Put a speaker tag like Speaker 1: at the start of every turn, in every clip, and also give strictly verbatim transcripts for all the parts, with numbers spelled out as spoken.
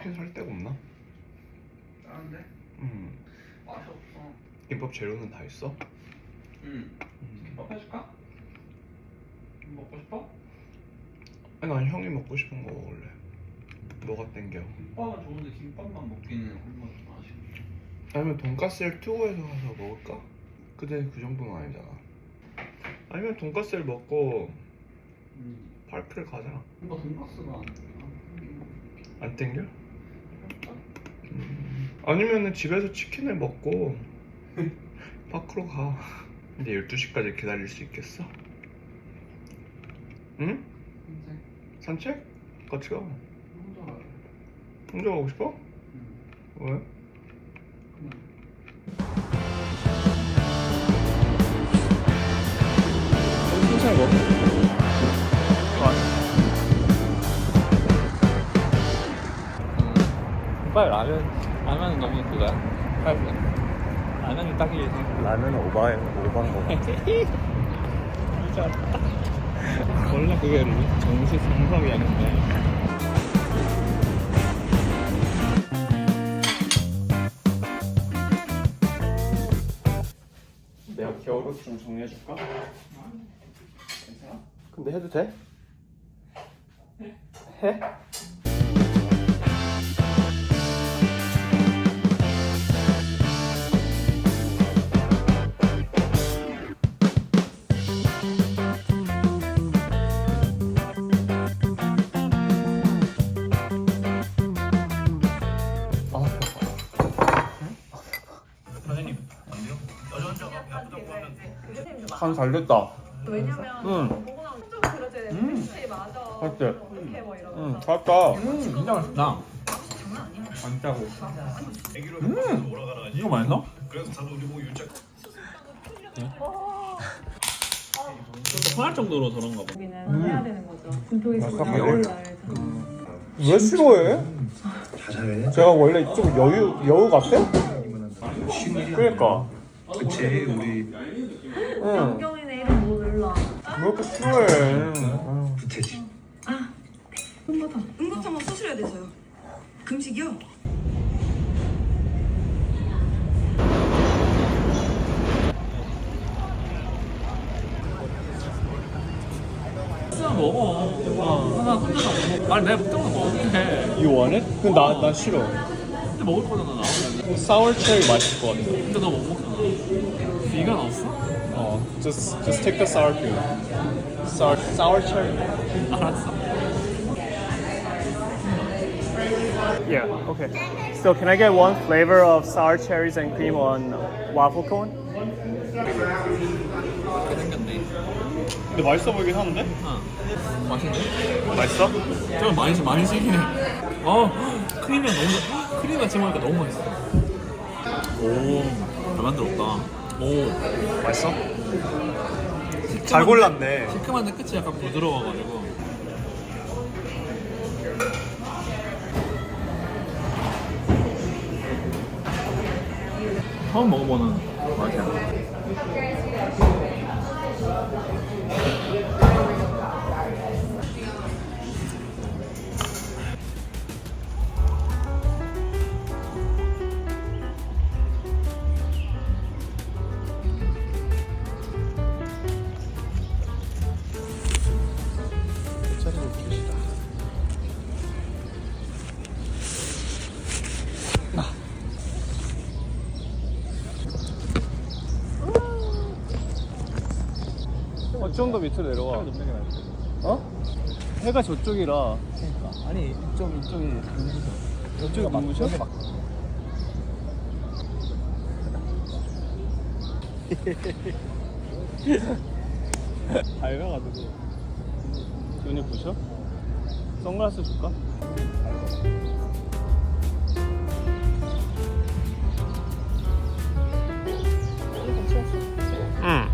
Speaker 1: 치킨 살 데가 없나?
Speaker 2: 다른데?
Speaker 1: 음.
Speaker 2: 맛이 없어.
Speaker 1: 김밥 재료는 다 있어?
Speaker 2: 응.
Speaker 1: 음.
Speaker 2: 김밥 해줄까? 먹고 싶어?
Speaker 1: 아니 난 형이 먹고 싶은 거 먹을래. 뭐가 땡겨?
Speaker 2: 김밥은 좋은데 김밥만 먹기는 한번 좀 아쉽네.
Speaker 1: 아니면 돈까스를 투고해서 가서 먹을까? 근데 그 정도는 아니잖아. 아니면 돈까스를 먹고
Speaker 2: 음.
Speaker 1: 파크를 가자.
Speaker 2: 뭔가 돈가스가 안 돼.
Speaker 1: 안 땡겨? 음. 아니면은 집에서 치킨을 먹고 파크로 가. 근데 열두 시까지 기다릴 수 있겠어? 응? 산책? 같이 가.
Speaker 2: 혼자 가래.
Speaker 1: 혼자 가고 싶어?
Speaker 2: 응.
Speaker 1: 왜?
Speaker 2: 그냥.
Speaker 1: 천천히 먹어.
Speaker 3: 빨리 라면 라면은 너무 그거야. 빨리 라면이 딱이지.
Speaker 1: 라면은 오바해, 오바한 거.
Speaker 3: 진짜 원래 그게 정식 정석이었는데.
Speaker 1: 내가 겨울옷 좀 정리해줄까? 괜찮아? 근데 해도 돼? 해? 간 잘 됐다.
Speaker 4: 왜냐면
Speaker 1: 응.
Speaker 4: 보고 나면 혼자가 그려져야 돼. 혹시 맞아.
Speaker 1: 맞지?
Speaker 4: 어떻게 뭐 이러면서.
Speaker 1: 응, 잘했다.
Speaker 3: 음, 진짜 맛있다.
Speaker 4: 장난 아니야.
Speaker 3: 안 짜고.
Speaker 5: 음,
Speaker 3: 이거 맛있어? 화날 정도로 저런가 봐.
Speaker 4: 여기는 해야 되는 거죠. 분통에서
Speaker 1: 약간
Speaker 4: 올라야
Speaker 1: 왜 싫어해? 제가 원래 좀 여유 여우 같아? 그러니까.
Speaker 5: 그치 우리
Speaker 1: 응.
Speaker 4: 안경이네 이름 뭐 눌러.
Speaker 1: 왜 이렇게 싫어해?
Speaker 5: 부채지.
Speaker 6: 응급함. 응급함은 수술해야 돼서요. 금식이요?
Speaker 3: 하나 먹어. 하나 혼자서 안 먹어. 아니 내가 먹던 거 먹을게.
Speaker 1: You want it? 근데 나, 나 싫어.
Speaker 3: 근데 먹을 거잖아 나.
Speaker 1: Sour cherry 맛있을 것 같아.
Speaker 3: 근데 너 못 먹잖아. 비가 없어?
Speaker 1: 어, just just take the sour cream. Sour sour cherry.
Speaker 3: 알았어.
Speaker 7: Yeah, okay. So can I get one flavor of sour cherries and cream on waffle cone?
Speaker 3: 생겼네.
Speaker 1: 근데 맛있어 보이긴 하는데?
Speaker 3: 어. 맛있네.
Speaker 1: 맛있어?
Speaker 3: 좀 많이 많이 시긴 해. 어 크림이 너무 좋- 크림 같이 먹으니까 너무 맛있어. 오잘 만들었다. 오
Speaker 1: 맛있어?
Speaker 3: 시큼한데-
Speaker 1: 잘 골랐네.
Speaker 3: 시큼한데 끝이 약간 부드러워가지고. 처음 먹어보는 맛이야.
Speaker 7: 어, 좀 더 밑으로 내려와. 어? 해가 저쪽이라. 그러니까. 아니, 좀 이쪽이 눈부셔. 이쪽이 눈부셔? 밝아가지고. 눈이 부셔? 선글라스 줄까?
Speaker 1: 응.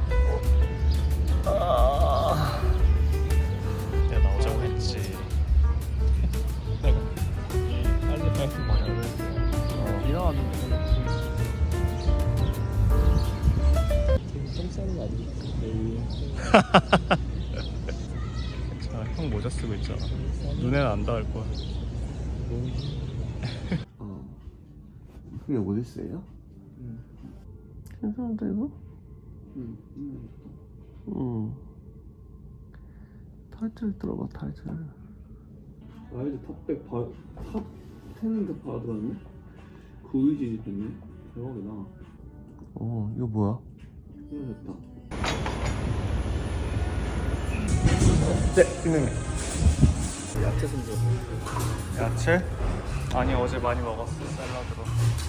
Speaker 1: 아... 내가 나오자고 했지.
Speaker 7: 빨리 빨리 많이 안 어, 일어났는데. 좀 싸는 거 아니지?
Speaker 1: 자, 형 모자 쓰고 있잖아. 눈에는 안 닿을 거야. 그게 오디세이야? 괜찮은데 이거?
Speaker 7: 응.
Speaker 1: 응. 타이틀 들어봐 타이틀.
Speaker 7: 와일드 탑백 바, 탑 텐인데 바로 들어왔네? 구이지 됐네? 대박이다.
Speaker 1: 어 이거 뭐야?
Speaker 7: 좋다.
Speaker 1: 네 김영민.
Speaker 7: 야채 손질.
Speaker 3: 야채? 아니 어제 많이 먹었어 샐러드로.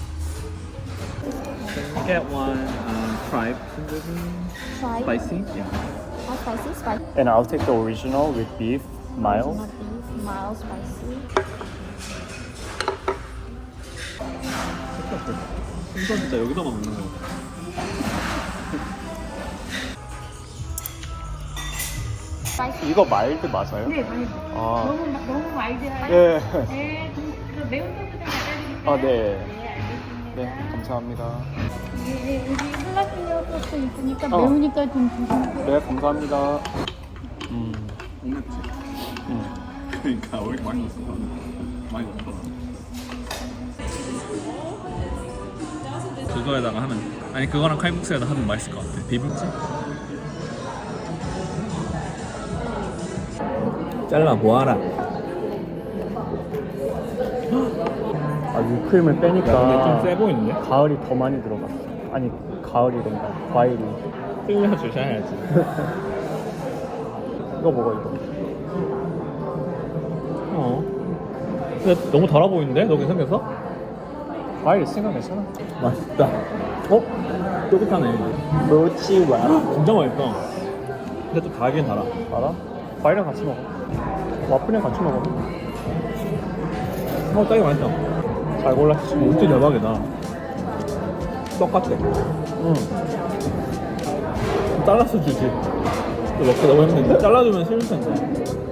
Speaker 3: Get one um, fried
Speaker 8: Try.
Speaker 3: spicy. Yeah.
Speaker 8: How spicy? Spicy.
Speaker 3: And I'll take the original with beef, mild.
Speaker 8: Not beef, mild spicy.
Speaker 3: 생선 진짜 여기다만 먹는 거 같아.
Speaker 8: Spicy.
Speaker 3: 이거 마일드 맞아요?
Speaker 4: 네, 많이.
Speaker 3: 아,
Speaker 4: 너무 마- 너무 와일드하게.
Speaker 3: 네.
Speaker 4: 네, 그, 그 매운 소스 좀 갖다 드릴까요?
Speaker 3: 아, 네.
Speaker 4: 네, 알겠습니다.
Speaker 3: 네, 감사합니다.
Speaker 8: 네, 여기 할라피뇨 소스 있으니까
Speaker 3: 어.
Speaker 8: 매우니까 좀 주세요.
Speaker 3: 네, 감사합니다. 음,
Speaker 2: 옥냈지?
Speaker 3: 음.
Speaker 2: 그러니까 왜 이렇게 많이 넣었어? 많이 넣었더라.
Speaker 3: 그거에다가 하면, 아니 그거랑 칼국수에다 하면 맛있을 것 같아. 비빔치? 잘라 모아라. 아, 위크림을 빼니까 좀 세 보이는데? 가을이 더 많이 들어갔어. 아니, 가을이던가 과일이. 흘려주셔야지. 이거 먹어, 이거. 어. 근데 너무 달아 보이는데? 너 괜찮겠어? 과일 있으니까 괜찮아. 맛있다. 어? 쫄깃하네. 모찌와. 진짜 맛있다. 근데 좀 달긴 달아. 달아? 과일이랑 같이 먹어. 와플이랑 같이 먹어. 어, 짜게 맛있다. 잘 골랐지. 모찌 대박이다. 똑같아. 응. 잘라서 주지. 또 먹기 너무 힘든데? 잘라주면 싫을 텐데.